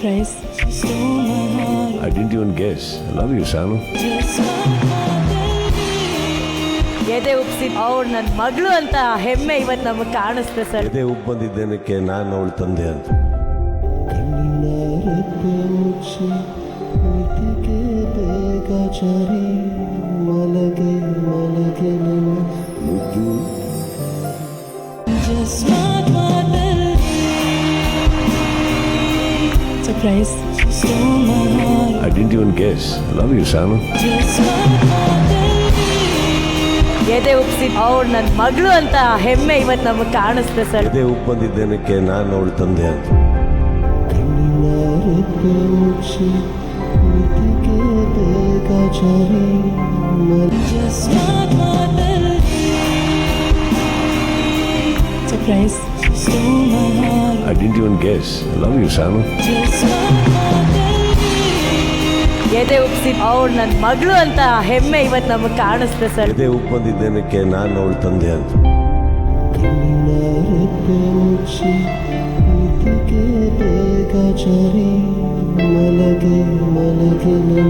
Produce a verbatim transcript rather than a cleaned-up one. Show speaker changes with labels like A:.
A: Surprise. She stole my heart.
B: I didn't even guess. I love you, Sanu.
A: Just my
C: ಎದೆ ಉಪ್ಸಿ ಅವ್ರು ನನ್ನ ಮಗಳು ಅಂತ ಹೆಮ್ಮೆ ಇವತ್ತು ನಮಗೆ ಕಾಣಿಸ್ತೆ ಸರ್.
B: ಎದೆ ಉಪ್ಪು ಬಂದಿದ್ದೇನಕ್ಕೆ ನಾನು ಅವಳು ತಂದೆ ಅಂತ.
A: Just my mother. Surprise. She stole my heart.
B: I didn't even guess. I love you, Sanu.
A: Just my mother.
C: ಎದೆ ಉಪ್ಸಿ ಅವ್ರು ನನ್ನ ಮಗಳು ಅಂತ ಹೆಮ್ಮೆ ಇವತ್ತು ನಮಗೆ ಕಾಣಿಸ್ತೆ ಸರ್.
B: ಎದೆ ಉಪ್ಪು ಬಂದಿದ್ದೇನಕ್ಕೆ ನಾನು ಅವಳು ತಂದೆ ಅಂತ.
A: Just my mother. Surprise. She stole my heart.
B: I didn't even guess. I love you, Sanu.
A: Just my mother.
C: ಎದೆ ಉಪ್ಸಿ ಅವ್ರು ನನ್ನ ಮಗಳು ಅಂತ ಹೆಮ್ಮೆ ಇವತ್ತು ನಮಗೆ ಕಾಣಿಸ್ತೆ ಸರ್.
B: ಎದೆ ಉಪ್ಪು ಬಂದಿದ್ದೇನಕ್ಕೆ ನಾನು ಅವಳು ತಂದೆ ಅಂತ.
D: ಮಲಗೆ ಮಲಗೆ